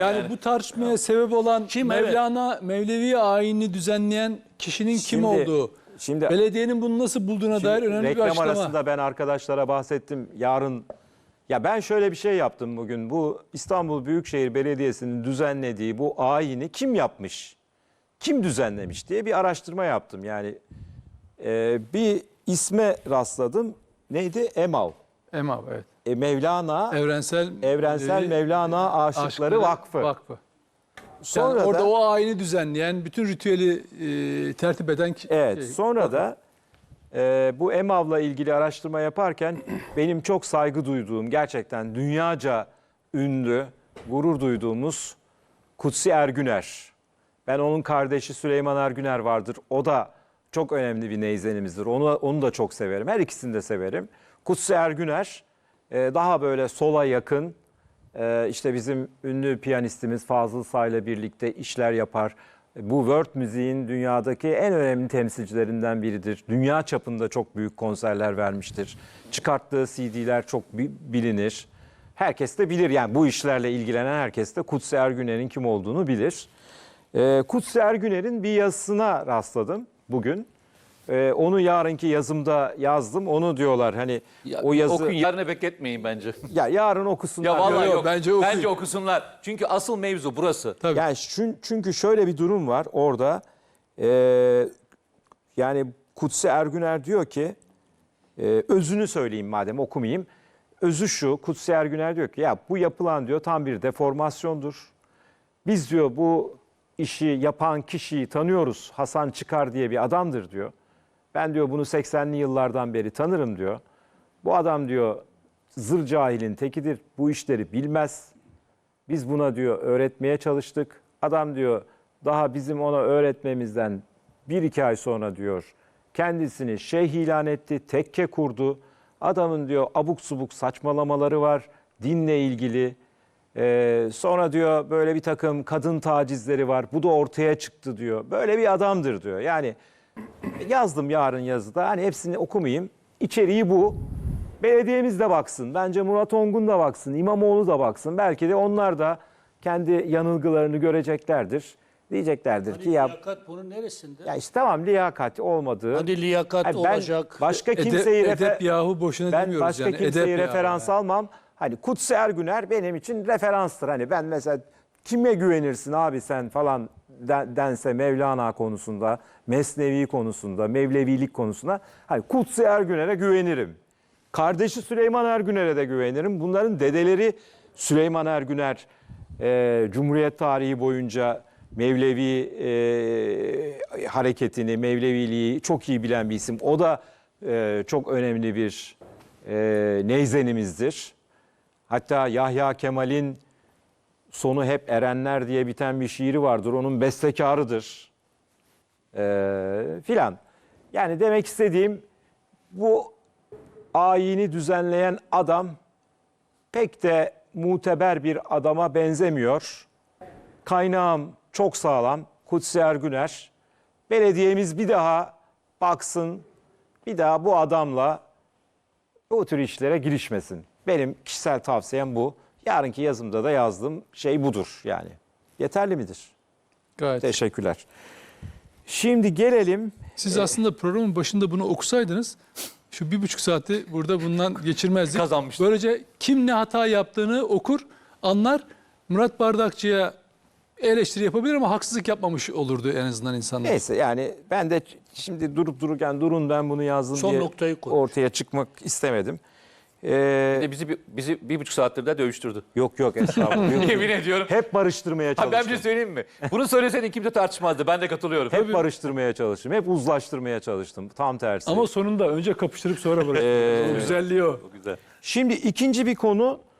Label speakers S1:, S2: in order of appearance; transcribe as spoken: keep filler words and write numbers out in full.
S1: Yani,
S2: Yani-
S1: bu tartışmaya sebep olan
S2: Kim,
S1: Mevlana, Mevlevi ayinini düzenleyen kişinin kim
S3: Şimdi-
S1: olduğu,
S3: şimdi-
S1: belediyenin bunu nasıl bulduğuna dair önemli bir
S3: reklam
S1: açıklama.
S3: arasında ben arkadaşlara bahsettim. Yarın ya ben şöyle bir şey yaptım bugün. Bu İstanbul Büyükşehir Belediyesi'nin düzenlediği bu ayini kim yapmış? Kim düzenlemiş diye bir araştırma yaptım. Yani e, bir isme rastladım. Neydi? EMAV.
S1: Emav, evet.
S3: E, Mevlana
S1: Evrensel,
S3: Evrensel
S1: Mevlevi
S3: Mevlana Aşıkları,
S1: Aşıkları
S3: Vakfı.
S1: Vakfı.
S3: Sonra
S1: Yani orada
S3: da,
S1: o ayini düzenleyen, bütün ritüeli e, tertip eden ki-
S3: evet,
S1: şey,
S3: sonra
S1: vakıf.
S3: da e, bu EMAV'la ilgili araştırma yaparken benim çok saygı duyduğum, gerçekten dünyaca ünlü, gurur duyduğumuz Kutsi Ergüner. Ben onun kardeşi Süleyman Ergüner vardır. O da çok önemli bir neyzenimizdir. Onu, onu da çok severim. Her ikisini de severim. Kutsi Ergüner e, daha böyle sola yakın, e, işte bizim ünlü piyanistimiz Fazıl Say'la birlikte işler yapar. Bu world müziğin dünyadaki en önemli temsilcilerinden biridir. Dünya çapında çok büyük konserler vermiştir. Çıkarttığı C D'ler çok bi- bilinir. Herkes de bilir, yani bu işlerle ilgilenen herkes de Kutsi Ergüner'in kim olduğunu bilir. Ee, Kutsi Ergüner'in bir yazısına rastladım bugün. Ee, onu yarınki yazımda yazdım. Onu diyorlar hani
S2: Ya,
S3: o yazı...
S2: Okuyun, yarına bekletmeyin bence.
S3: Ya yarın okusunlar.
S2: Ya vallahi
S1: yok,
S2: yok.
S1: bence
S2: Bence,
S1: okuyun.
S2: okusunlar. Çünkü asıl mevzu burası.
S1: Tabii.
S3: Yani çün- çünkü şöyle bir durum var orada. Ee, yani Kutsi Ergüner diyor ki, e, özünü söyleyeyim madem okumayayım. Özü şu, Kutsi Ergüner diyor ki ya bu yapılan diyor tam bir deformasyondur. Biz diyor bu işi yapan kişiyi tanıyoruz. Hasan Çıkar diye bir adamdır diyor. Ben diyor bunu seksenli yıllardan beri tanırım diyor. Bu adam diyor zır cahilin tekidir. Bu işleri bilmez. Biz buna diyor öğretmeye çalıştık. Adam diyor daha bizim ona öğretmemizden bir iki ay sonra diyor kendisini şeyh ilan etti, tekke kurdu. Adamın diyor abuk subuk saçmalamaları var dinle ilgili. Ee, sonra diyor böyle bir takım kadın tacizleri var. Bu da ortaya çıktı diyor. Böyle bir adamdır diyor. Yani yazdım yarın yazıda. Hani hepsini okumayayım. İçeriği bu. Belediyemiz de baksın. Bence Murat Ongun da baksın. İmamoğlu da baksın. Belki de onlar da kendi yanılgılarını göreceklerdir. Diyeceklerdir
S4: Hani
S3: ki ya,
S4: liyakat bunun neresinde?
S3: ya işte tamam liyakat olmadığı.
S4: Hadi liyakat
S3: Hani ben
S4: olacak.
S3: başka
S1: Edep,
S3: kimseyi refer-
S1: edep yahu boşuna
S3: ben
S1: demiyoruz
S3: başka
S1: yani.
S3: kimseyi
S1: Edep yahu
S3: referans
S1: yani.
S3: almam. Hani Kutsi Ergüner benim için referanstır. Hani ben mesela kime güvenirsin abi sen falan den- dense Mevlana konusunda, Mesnevi konusunda, Mevlevilik konusunda hani Kutsi Ergüner'e güvenirim. Kardeşi Süleyman Ergüner'e de güvenirim. Bunların dedeleri Süleyman Ergüner e, Cumhuriyet tarihi boyunca Mevlevi e, hareketini, Mevleviliği çok iyi bilen bir isim. O da e, çok önemli bir e, neyzenimizdir. Hatta Yahya Kemal'in sonu hep erenler diye biten bir şiiri vardır. Onun bestekarıdır. E, filan. Yani demek istediğim bu ayini düzenleyen adam pek de muteber bir adama benzemiyor. Kaynağım çok sağlam. Kutsi Ergüner. Belediyemiz bir daha baksın, bir daha bu adamla bu tür işlere girişmesin. Benim kişisel tavsiyem bu. Yarınki yazımda da yazdığım şey budur yani. Yeterli midir?
S1: Gayet.
S3: Teşekkürler. Şimdi gelelim.
S1: Siz aslında programın başında bunu okusaydınız şu bir buçuk saati burada bundan geçirmezdik.
S2: Kazanmıştık.
S1: Böylece kim ne hata yaptığını okur, anlar. Murat Bardakçı'ya eleştiri yapabilir ama haksızlık yapmamış olurdu en azından insanlar.
S3: Neyse yani ben de şimdi durup dururken durun ben bunu yazdım
S4: Son
S3: diye
S4: noktayı koy.
S3: ortaya çıkmak istemedim. Ee,
S2: Bir de bizi, bizi bir buçuk saattir de dövüştürdü.
S3: yok yok estağfurullah. Yok,
S2: Yemin
S3: yok.
S2: ediyorum.
S3: Hep barıştırmaya
S2: Ha,
S3: çalıştım.
S2: ben bir şey söyleyeyim mi? Bunu söyleseydin kimse tartışmazdı. Ben de katılıyorum.
S3: Hep barıştırmaya çalıştım. Hep uzlaştırmaya çalıştım. Tam tersi.
S1: Ama sonunda önce kapıştırıp sonra bırakıyor.
S3: Ee,
S1: O güzelliği o.
S2: Güzel.
S3: Şimdi ikinci bir konu